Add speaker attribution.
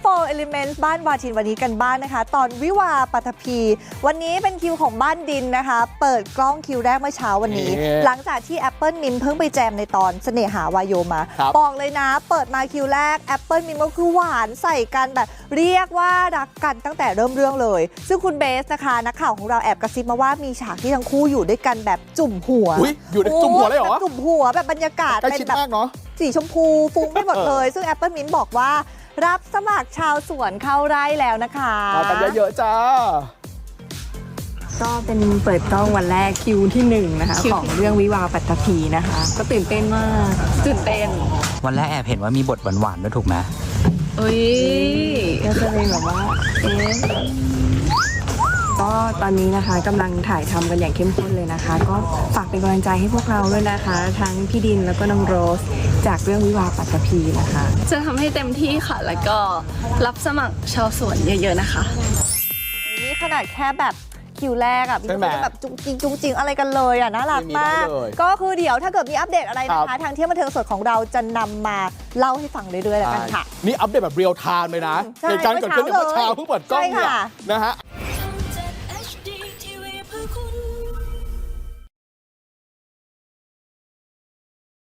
Speaker 1: 4 Elements บ้านวาทินวันนี้กันบ้านนะคะตอนวิวาปัทภีวันนี้เป็นคิวของบ้านดินนะคะเปิดกล้องคิวแรกเมื่อเช้าวันนี้หลังจากที่ Apple Mint เพิ่งไปแจมในตอนเสน่หาวายโยมาบอกเลยนะเปิดมาคิวแรก Apple Mint ก็คือหวานใส่กันแบบเรียกว่ารักกันตั้งแต่เริ่มเรื่องเลยซึ่งคุณเบสนะคะนักข่าวของเราแอบกระซิบมาว่ามีฉากที่ทั้งคู่อยู่ด้วยกันแบบจุ่มหัว
Speaker 2: อยู่ในจุ่มหัวเลยเหรอ
Speaker 1: จุ่มหัวแบบบรรยากาศ
Speaker 2: เป็นแบบ
Speaker 1: สีชมพูฟุ้งไปหมดเลยซึ่ง Apple Mint บอกว่ารับสมัครชาวสวนเข้าไร่แล้วนะคะ
Speaker 2: มากันเยอะๆจ้า
Speaker 3: ก็เป็นเปิดกล้องวันแรกคิวที่1นะคะของเรื่องวิวาปัตตภีนะคะก็ตื่นเต้นมากตื่นเต้น
Speaker 4: วันแรกแอบเห็นว่ามีบทหวานๆด้วยถูกไหม
Speaker 3: เอ้ยก็จะเป็นแบบว่าก็ตอนนี้นะคะกำลังถ่ายทำกันอย่างเข้มข้นเลยนะคะก็ฝากเป็นกำลังใจให้พวกเราด้วยนะคะทั้งพี่ดินแล้วก็น้องโรสจากเรื่องวิวาปัตตภีนะคะ
Speaker 5: จะทำให้เต็มที่ค่ะแล้วก็รับสมัครชาวสวนเยอะๆนะคะ
Speaker 1: นี่ขนาดแค่แบบคิวแรกอ่ะพี่ก็แบบจุงจริงอะไรกันเลยอ่ะน่ารักมากก็คือเดี๋ยวถ้าเกิดมีอัปเดตอะไรนะคะทางเที่ยวบันเทิงสดของเราจะนำมาเล่าให้ฟังเรื่อยๆแล้วกันค่ะ
Speaker 2: นี่อัปเดตแบบเรียลไทม์เลยนะเหตุการณ์เกิดขึ้นเมื่อเช้าเพิ่งเปิดกล้องเนี่ยนะฮะ